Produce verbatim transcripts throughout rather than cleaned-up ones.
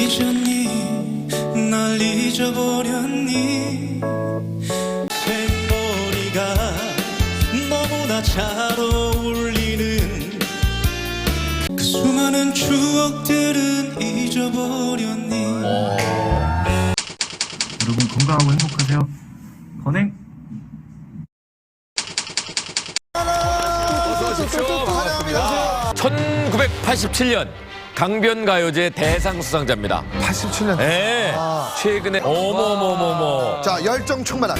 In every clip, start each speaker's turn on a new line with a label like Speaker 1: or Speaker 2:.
Speaker 1: 잊었니 날 잊어버렸니 생머리가 너무나 잘 어울리는 그 수많은 추억들은 잊어버렸니.
Speaker 2: 오. 여러분 건강하고 행복하세요. 건행.
Speaker 3: 어서 오십시오. 반갑습니다. 천구백팔십칠 년 강변가요제 대상 수상자입니다.
Speaker 4: 팔십칠 년.
Speaker 3: 네.
Speaker 4: 아.
Speaker 3: 최근에 어머머머머.
Speaker 4: 자, 열정 충만한.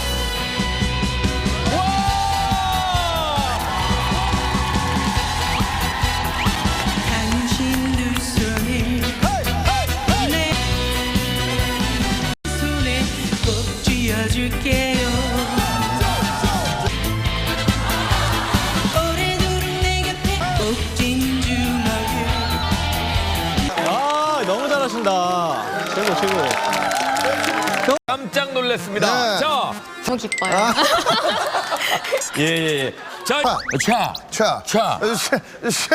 Speaker 1: 당신 두 손을 내 손에 꼭 쥐어줄게요. 오래도록 내 곁에 꼭 진주먹을.
Speaker 5: 아, 너무 잘하신다. 최고, 최고.
Speaker 3: 깜짝 놀랐습니다.
Speaker 4: 네.
Speaker 3: 자,
Speaker 6: 너무 기뻐요.
Speaker 3: 예, 예, 예. 자,
Speaker 4: 아.
Speaker 3: 차.
Speaker 4: 차.
Speaker 3: 차.
Speaker 4: 쉐, 쉐.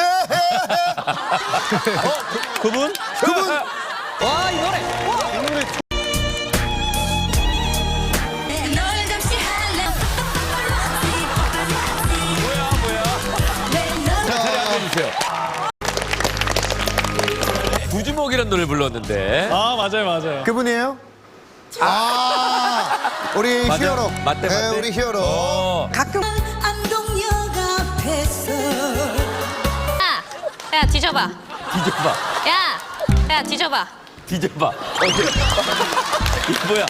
Speaker 5: 그분?
Speaker 4: 그분.
Speaker 6: 와, 이 노래.
Speaker 1: 널 잠시 할래.
Speaker 3: 뭐야, 뭐야. 자, 자리 앉아주세요. 구주먹이라는 노래를 불렀는데.
Speaker 5: 아, 맞아요, 맞아요.
Speaker 4: 그분이에요? 아, 우리
Speaker 3: 맞아.
Speaker 4: 히어로.
Speaker 3: 맞대,
Speaker 4: 네,
Speaker 3: 맞대.
Speaker 4: 우리 히어로.
Speaker 3: 어.
Speaker 6: 가끔.
Speaker 1: 안동역 앞에서
Speaker 7: 야, 야 뒤져봐.
Speaker 3: 뒤져봐.
Speaker 7: 야, 야 뒤져봐.
Speaker 3: 뒤져봐. 어디? 이게 뭐야?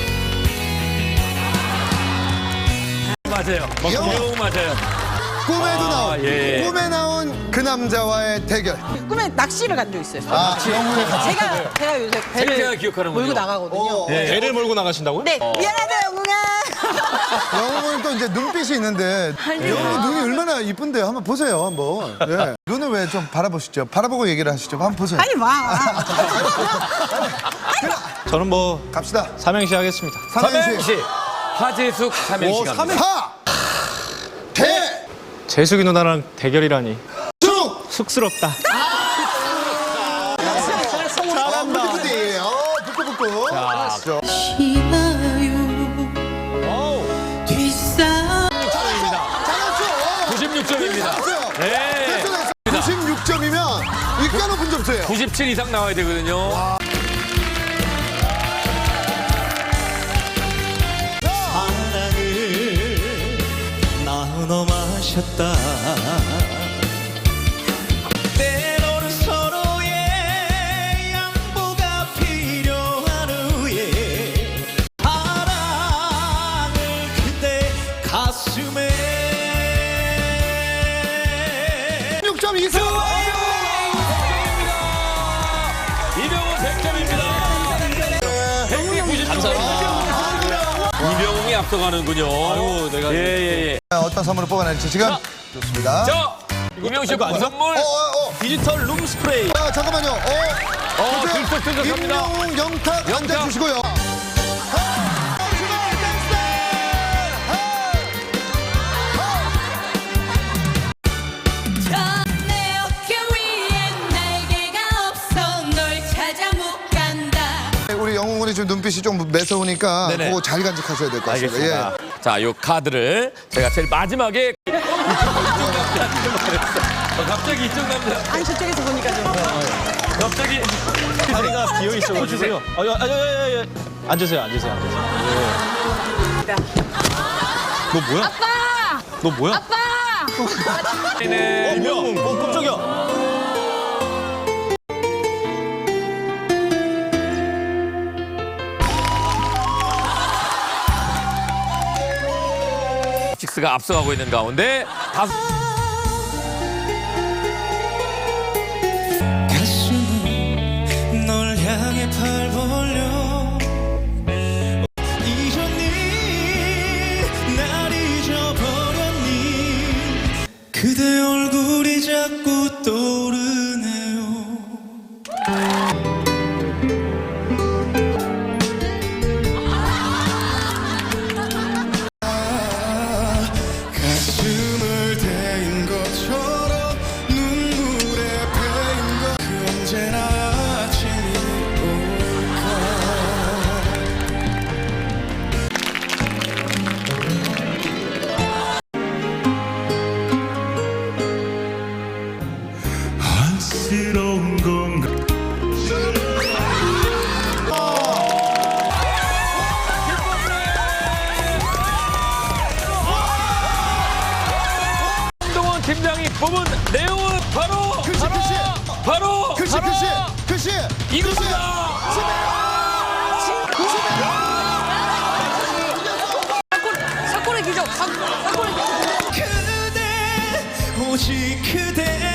Speaker 3: 맞아요.
Speaker 4: 영.
Speaker 3: 영 맞아요.
Speaker 4: 꿈에도
Speaker 3: 아,
Speaker 4: 나온.
Speaker 3: 예.
Speaker 4: 꿈에 나온 그 남자와의 대결.
Speaker 6: 꿈에 낚시를 간 적 있어요.
Speaker 4: 아, 영웅의 같이.
Speaker 6: 제가, 제가 요새
Speaker 3: 제가
Speaker 6: 배를
Speaker 3: 기억하는군요.
Speaker 6: 몰고 나가거든요.
Speaker 4: 어,
Speaker 3: 예.
Speaker 5: 배를 몰고 나가신다고요?
Speaker 6: 네, 미안하다, 영웅아.
Speaker 4: 영웅은 또 이제 눈빛이 있는데 영웅 눈이 얼마나 이쁜데요. 한번 보세요, 한번. 예. 눈을 왜 좀 바라보시죠. 바라보고 얘기를 하시죠. 한번 보세요.
Speaker 6: 아니, 와.
Speaker 5: 저는 뭐
Speaker 4: 갑시다.
Speaker 5: 삼행시 하겠습니다.
Speaker 3: 삼행시. 하재숙 삼행시 갑니다.
Speaker 4: 하, 대,
Speaker 5: 재숙이 누나랑 대결이라니
Speaker 4: 수.
Speaker 5: 쑥스럽다.
Speaker 4: 잘한다. 어, 부끄부끄. 어, 부끄부끄.
Speaker 3: 자,
Speaker 1: 희마요 뒷사
Speaker 4: 잘했죠.
Speaker 3: 구십육 점입니다.
Speaker 4: 잘했어요.
Speaker 3: 네.
Speaker 4: 됐어, 됐어. 구십육 점이면 이가 높은 점수예요.
Speaker 3: 구십칠 이상 나와야 되거든요.
Speaker 1: 사랑을 나눠 마셨다. 때로는 서로의 양보가 필요한 후에 사랑을 그대 가슴에
Speaker 4: 육 점 이상.
Speaker 3: 이병훈 백 점입니다. 백구십 감사합니다. 이병훈이 앞서가는군요. 아유, 내가. 예, 예, 예.
Speaker 4: 어떤 선물을 뽑아낼지 지금 좋습니다.
Speaker 3: 자, 이병훈 씨 선물.
Speaker 4: 어, 어, 어.
Speaker 5: 디지털 룸 스프레이.
Speaker 4: 아, 잠깐만요. 어,
Speaker 3: 어, 들썩들썩합니다.
Speaker 4: 임영웅 영탁
Speaker 3: 영탁.
Speaker 4: 앉아주시고요.
Speaker 1: 내 어깨 위에 날개가 없어 널 찾아 못 간다.
Speaker 4: 우리 영웅군이 지금 눈빛이 좀 매서우니까
Speaker 3: 네네.
Speaker 4: 그거 잘 간직하셔야 될 것 같습니다.
Speaker 3: 알겠습니다.
Speaker 4: 예.
Speaker 3: 자, 요 카드를 제가 제일 마지막에 어, 갑자기 이쪽 남자
Speaker 6: 아니, 저쪽에서 보니까 좀.
Speaker 3: 갑자기
Speaker 5: 다리가 비어 있어가지고요. 아, 아, 아, 아, 아, 아. 앉으세요, 앉으세요, 앉으세요. 예. 너 뭐야?
Speaker 7: 아빠!
Speaker 5: 너 뭐야?
Speaker 7: 아빠!
Speaker 3: 네.
Speaker 5: 이명웅. 어, 깜짝이야.
Speaker 3: 식스가 앞서가고 있는 가운데 다섯
Speaker 1: 가슴은 널 향해 팔 벌려 잊었니 날 잊어버렸니 그대 얼굴이 자꾸 떠오르네요. 가슴을 대인 것처럼 눈물에 패인 것 그 언제나 아침이
Speaker 3: 팀장이 뽑은 내용은 바로
Speaker 4: 글씨,
Speaker 3: 바로
Speaker 4: 글씨.
Speaker 3: 바로
Speaker 4: 글씨,
Speaker 3: 바로
Speaker 4: 글씨, 글씨.
Speaker 3: 이겁니다.
Speaker 6: 사골의 기적. 사- 사골의 기적.
Speaker 5: 그대 오직 그대